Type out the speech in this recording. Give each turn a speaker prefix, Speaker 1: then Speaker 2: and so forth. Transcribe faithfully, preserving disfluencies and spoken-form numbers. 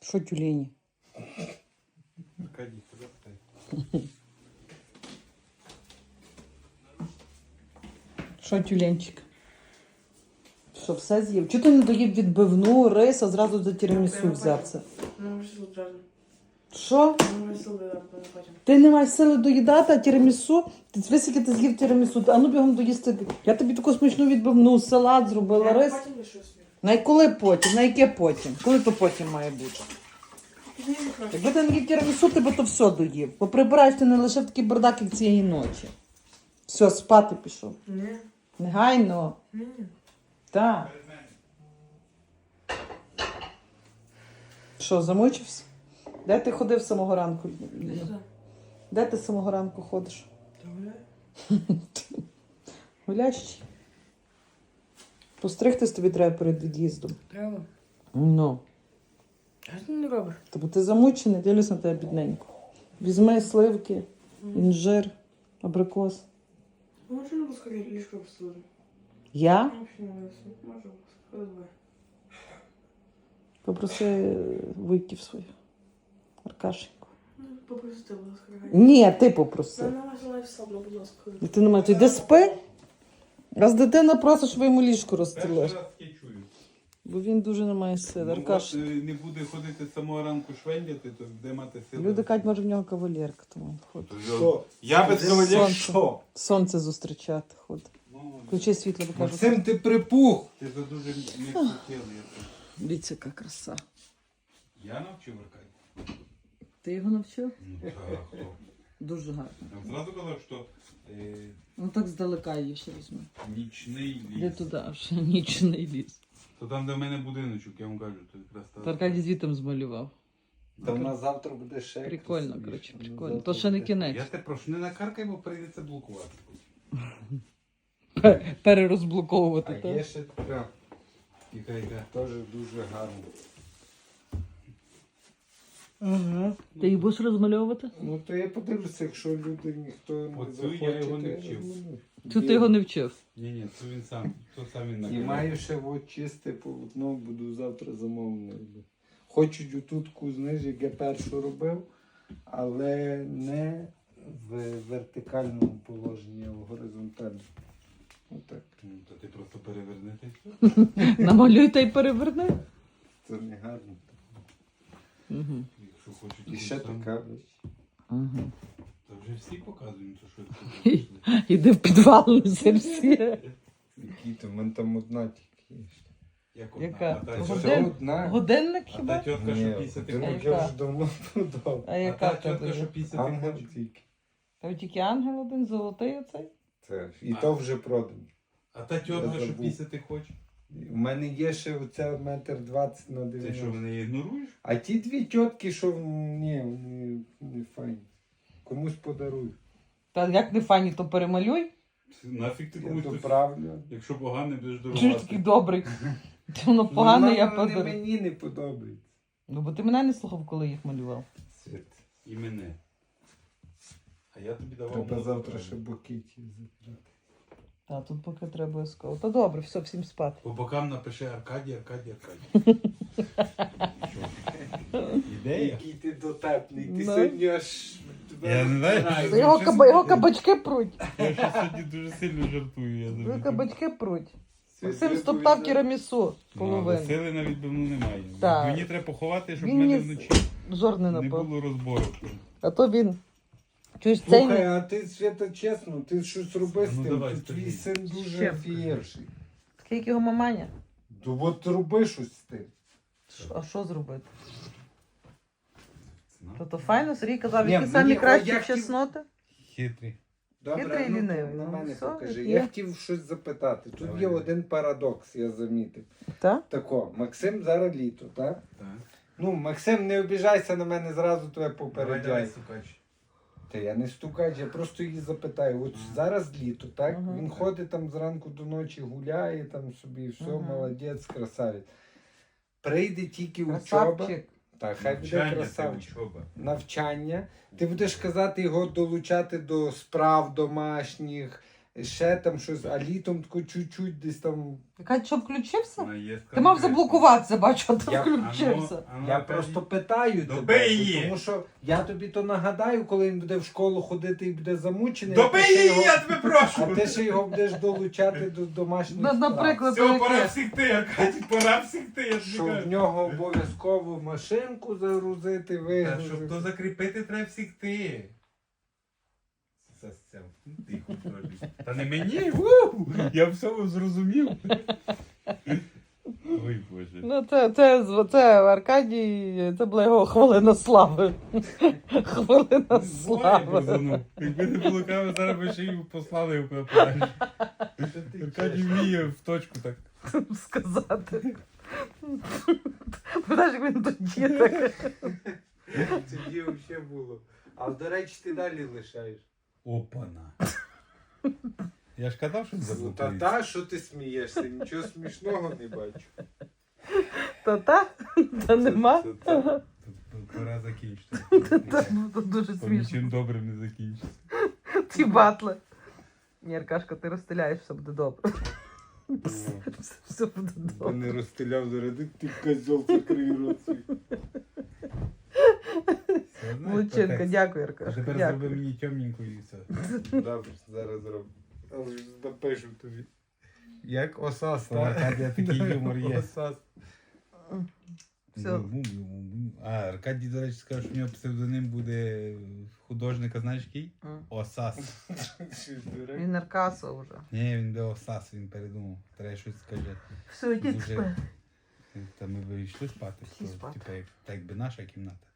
Speaker 1: Що тюлені?
Speaker 2: Аркадій, тебе.
Speaker 1: Що тюленчик? Що, все з'їв? Чого ти не доїв відбивну, рис, а зразу за тірамісу взявся?
Speaker 3: Ну, вже одразу.
Speaker 1: Що?
Speaker 3: Ну, вже сили не потім.
Speaker 1: Ти не маєш сили доїдати, а тірамісу? Ти висики ти з'їв тірамісу, а ну бігом доїсти. Я тобі таку смачну відбивну, салат зробила, рис.
Speaker 3: Я потім лишу собі.
Speaker 1: На й коли потім? На яке потім? Коли то потім має бути?
Speaker 3: Ти не краще.
Speaker 1: Якби ти не їв тірамісу, ти би то все доїв. Бо прибираєш ти не лише в такий бардак, як цієї ночі. Все, спати пішов.
Speaker 3: Ні.
Speaker 1: Негайно.
Speaker 3: Ні.
Speaker 1: Так. Що, замучився? Де ти ходив з самого ранку? Де ти з самого ранку ходиш? Гулящий. Постригтись тобі треба перед від'їздом.
Speaker 3: Треба.
Speaker 1: Ну.
Speaker 3: А ти не робиш?
Speaker 1: Тобто ти замучений, дивлюсь на тебе бідненько. Візьми сливки, інжир, абрикос.
Speaker 3: Може, не розходити ліжко обслужити?
Speaker 1: Я?
Speaker 3: Взагалі не вису. Може, розходити.
Speaker 1: Попроси вуйків своїх. Аркашеньку.
Speaker 3: Ну, попросити, будь ласка.
Speaker 1: Ні, ти попроси.
Speaker 3: Вона називає слабо, будь ласка.
Speaker 1: Дитина має, ти йди спи. Раз дитина просить, щоб ви йому ліжко
Speaker 2: Перший
Speaker 1: розстелиш.
Speaker 2: раз я чую.
Speaker 1: Бо він дуже не має сили.
Speaker 2: Ну,
Speaker 1: Аркаш.
Speaker 2: от, е, не буде ходити з самого ранку швендяти, то де мати сили?
Speaker 1: Люди кажуть, може в нього кавалерка, тому він ходить.
Speaker 2: Що? Я без кавалера
Speaker 1: Сонце.
Speaker 2: що?
Speaker 1: Сонце зустрічати ходить.
Speaker 2: Ну,
Speaker 1: Включи світло, бо кажуть.
Speaker 4: Максим, ти припух.
Speaker 2: Ти за дуже не хотіли.
Speaker 1: Дивіться, яка краса.
Speaker 2: Я навчив Аркадій.
Speaker 1: Ти його навчив?
Speaker 2: Ну так, хто?
Speaker 1: Дуже гарно.
Speaker 2: Я зразу казав, що е,
Speaker 1: Ну так здалека її ще візьми.
Speaker 2: нічний
Speaker 1: Де
Speaker 2: ліс.
Speaker 1: туди, аж нічний ліс.
Speaker 2: То там, де в мене будиночок, я вам кажу, то якраз та...
Speaker 1: Та Аркадій звітом змалював.
Speaker 4: Та на завтра буде ще.
Speaker 1: Прикольно,
Speaker 4: красивіше.
Speaker 1: коротше,
Speaker 4: На
Speaker 1: прикольно.
Speaker 4: завтра
Speaker 1: То ще не
Speaker 4: буде.
Speaker 1: кінець.
Speaker 2: Я тебе прошу, не накаркай, бо прийдеться блокувати.
Speaker 1: Пе- Перерозблоковувати,
Speaker 4: А є
Speaker 1: так?
Speaker 4: ще така,
Speaker 2: Яка, яка.
Speaker 4: теж дуже гарна.
Speaker 1: Ага. Ти їх будеш розмальовувати?
Speaker 4: Ну то я подивлюся, якщо люди ніхто не
Speaker 2: Оцю
Speaker 4: захоче,
Speaker 2: я його не
Speaker 4: то я
Speaker 2: вчив.
Speaker 4: розмалюю.
Speaker 1: Чи ти його не вчив?
Speaker 2: Ні, ні, це він сам, то сам він
Speaker 4: І
Speaker 2: накидав.
Speaker 4: маю ще от чисте полотно, буду завтра замовлено. Хочуть отутку, знаєш, як я першу робив, але не в вертикальному положенні, а в горизонтальному. Отак.
Speaker 2: Ну, то ти просто переверни та й все.
Speaker 1: Намалюй та й переверни.
Speaker 4: Це не гарно.
Speaker 1: Угу.
Speaker 2: Якщо хочуть.
Speaker 4: І
Speaker 2: то
Speaker 4: ще
Speaker 2: сам.
Speaker 4: така.
Speaker 1: Угу.
Speaker 2: Та вже всі показують, то що це прийшли.
Speaker 1: Іди в підвал, не всі.
Speaker 4: Які то, в мене там одна тільки є.
Speaker 2: Як одна.
Speaker 1: Яка?
Speaker 2: А та
Speaker 1: Годин-
Speaker 2: тьотка-
Speaker 4: Це одна.
Speaker 1: Годинник
Speaker 2: а та
Speaker 1: хіба?
Speaker 2: тітка,
Speaker 4: Ні,
Speaker 2: що пісяти
Speaker 4: годинник
Speaker 2: хоче.
Speaker 4: я вже давно подав.
Speaker 1: А
Speaker 2: А
Speaker 1: яка
Speaker 2: та
Speaker 1: в тебе
Speaker 2: тітка, що
Speaker 1: є?
Speaker 2: пісяти
Speaker 4: Ангел
Speaker 2: хоче.
Speaker 4: тільки.
Speaker 1: Та тільки ангел один, золотий оцей.
Speaker 4: Це. І
Speaker 2: А.
Speaker 4: то вже продано.
Speaker 2: А та тітка,
Speaker 4: Я
Speaker 2: що
Speaker 4: забув.
Speaker 2: пісяти хоче.
Speaker 4: У мене є ще оця метр двадцять на
Speaker 2: Ти що,
Speaker 4: дев'яносто.
Speaker 2: мене ігноруєш?
Speaker 4: А ті дві тітки, що ні, вони не файні. Комусь подаруй.
Speaker 1: Та як не фані, то перемалюй.
Speaker 2: Нафіг ти
Speaker 4: Я
Speaker 2: комусь
Speaker 4: то
Speaker 2: тут-
Speaker 4: правлю.
Speaker 2: Якщо поганий, будеш
Speaker 1: Чуєш такий
Speaker 2: дорогувати.
Speaker 1: добрий. Ти воно погане, я
Speaker 4: Ну, вони
Speaker 1: подарую.
Speaker 4: мені не подобається.
Speaker 1: Ну бо ти мене не слухав, коли їх малював.
Speaker 4: Світ.
Speaker 2: І мене. А я тобі давав.
Speaker 4: Треба
Speaker 2: мозок
Speaker 4: завтра
Speaker 2: правильно.
Speaker 4: ще букеті забрати.
Speaker 1: Та тут поки треба обов'язково. Та добре, все, всім спати.
Speaker 2: По бокам напиши Аркадій, Аркадій, Аркадій. Що? Ідея?
Speaker 4: Який ти дотепний, ти
Speaker 1: Ну.
Speaker 4: сьогодні аж...
Speaker 2: Я не знаю,
Speaker 4: Збирай.
Speaker 2: що-
Speaker 1: Його, каба, його кабачки пруть.
Speaker 2: Я ще сьогодні дуже сильно жартую. Я
Speaker 1: Його
Speaker 2: завжди.
Speaker 1: кабачки пруть.
Speaker 4: Це
Speaker 1: Максим
Speaker 4: ти
Speaker 1: стоптав
Speaker 4: повідомляєш.
Speaker 1: тірамісу
Speaker 2: Ну, але
Speaker 1: половину.
Speaker 2: сили на відбивну немає.
Speaker 1: Так.
Speaker 2: Мені треба поховати, щоб в
Speaker 1: Він
Speaker 2: мене
Speaker 1: мені
Speaker 2: вночі
Speaker 1: жор не
Speaker 2: не
Speaker 1: напав.
Speaker 2: було розбору.
Speaker 1: А то він. Чуєш, цей
Speaker 4: Слухай,
Speaker 1: не...
Speaker 4: а ти, Свята, чесно, ти щось роби з
Speaker 2: Ну,
Speaker 4: тим,
Speaker 2: давай,
Speaker 4: тут твій
Speaker 2: скажи.
Speaker 4: син
Speaker 1: З
Speaker 4: дуже
Speaker 1: чим?
Speaker 4: офієвший.
Speaker 1: Такий, як його маманя.
Speaker 4: То от роби щось з тим.
Speaker 1: Ш- А що зробити?
Speaker 2: Ну,
Speaker 1: То то файно, Сергій казав,
Speaker 4: Ні,
Speaker 1: які
Speaker 4: мені-
Speaker 1: самі
Speaker 4: а
Speaker 1: кращі
Speaker 4: я хотів-
Speaker 1: чесноти.
Speaker 2: Хитрий.
Speaker 4: Добре,
Speaker 1: Хитрий
Speaker 4: ну,
Speaker 1: лінивий,
Speaker 4: на
Speaker 1: ну,
Speaker 4: мене
Speaker 1: все,
Speaker 4: покажи.
Speaker 1: як
Speaker 4: Я
Speaker 1: є.
Speaker 4: хотів щось запитати. Тут
Speaker 2: Давай,
Speaker 4: є
Speaker 2: давай.
Speaker 4: один парадокс, я замітив.
Speaker 1: Так?
Speaker 4: Тако, Максим зараз літо, так?
Speaker 2: Так.
Speaker 4: Ну, Максим, не обіжайся на мене зразу, то я
Speaker 2: Давай, давай,
Speaker 4: попереджаю.
Speaker 2: сукач.
Speaker 4: Та я не стукач, я просто її запитаю. От зараз літо, так?
Speaker 1: Ага.
Speaker 4: Він ходить там зранку до ночі, гуляє там собі, все,
Speaker 1: Ага.
Speaker 4: молодець, красавець. Прийде тільки учоба.
Speaker 1: Красавчик.
Speaker 4: Так, хай буде
Speaker 2: Навчання це
Speaker 4: красавчик.
Speaker 2: учоба.
Speaker 4: Навчання. Ти будеш казати його долучати до справ домашніх, ще там щось, а літом тако чуть-чуть десь там.
Speaker 1: Яка що включився?
Speaker 2: Вона є
Speaker 1: Ти мав
Speaker 2: конкретна.
Speaker 1: заблокуватися, бачу, а ти
Speaker 4: Я-
Speaker 1: включився.
Speaker 2: А ну,
Speaker 4: Я
Speaker 2: Аркадій,
Speaker 4: просто питаю
Speaker 2: Добий
Speaker 4: тебе,
Speaker 2: її!
Speaker 4: тому що я тобі то нагадаю, коли він буде в школу ходити і буде замучений. а
Speaker 2: Добий
Speaker 4: ти ще
Speaker 2: її,
Speaker 4: його-
Speaker 2: я тебе прошу!
Speaker 4: А ти ще його будеш долучати до домашніх
Speaker 1: На-
Speaker 4: справ.
Speaker 1: наприклад,
Speaker 2: Все, пора
Speaker 1: яке?
Speaker 2: всіх ти, Аркадій, пора всіх ти, я тобі
Speaker 4: Що в
Speaker 2: кажу.
Speaker 4: нього обов'язково машинку загрузити,
Speaker 2: Та
Speaker 4: вигрузити.
Speaker 2: щоб то закріпити, треба всіх ти. Це це, тихо трошки. Та не мені, у, я все зрозумів. Ой, Боже.
Speaker 1: Ну, це, це, це Аркадій, це була його хвилина слави. Хвилина
Speaker 2: Слава
Speaker 1: слави.
Speaker 2: Богу. Якби не було кави, зараз би ще й послали його куди подальше. Аркадій вміє в точку так.
Speaker 1: Сказати. Знаєш, як він тоді так.
Speaker 4: Тоді взагалі було. А до речі, ти далі лишаєш.
Speaker 2: Опана. Я ж казав, що
Speaker 4: Ну, та
Speaker 2: заблокується.
Speaker 4: та, що ти смієшся? Нічого смішного не бачу.
Speaker 1: Та та? Та нема?
Speaker 2: Це- це- це- Пора закінчити.
Speaker 1: Та, ну, то дуже
Speaker 2: Бо
Speaker 1: смішно.
Speaker 2: нічим добрим не закінчиться.
Speaker 1: Ті батли. Ні, Аркашка, ти розстріляєш, все буде добре. Все, все буде
Speaker 4: Бо
Speaker 1: добре.
Speaker 4: не розстріляв заради, ти козьол закрий рот свій.
Speaker 2: Все, знаєш,
Speaker 1: Молодчинка,
Speaker 2: потекст.
Speaker 1: дякую,
Speaker 2: А
Speaker 1: Аркашка.
Speaker 2: тепер зроби
Speaker 1: Дякую.
Speaker 2: мені темненьку і все.
Speaker 4: Добре, зараз зроблю. Але ж напишу тобі.
Speaker 2: Як осас, у Аркадія такий юмор є.
Speaker 4: Осас.
Speaker 1: Все.
Speaker 2: А, Аркадій, до речі, сказав, що в нього псевдоним буде художника, знаєш який?
Speaker 1: М.
Speaker 2: Осас.
Speaker 4: Що, дурак?
Speaker 1: Він Аркаса вже.
Speaker 2: Ні, він де Осас, він передумав. Треба щось скаже.
Speaker 1: Все, йдіть
Speaker 2: Дуже-
Speaker 1: спати.
Speaker 2: Та ми б йшли спати.
Speaker 1: Всі
Speaker 2: то,
Speaker 1: спати.
Speaker 2: Типа, як, так якби наша кімната.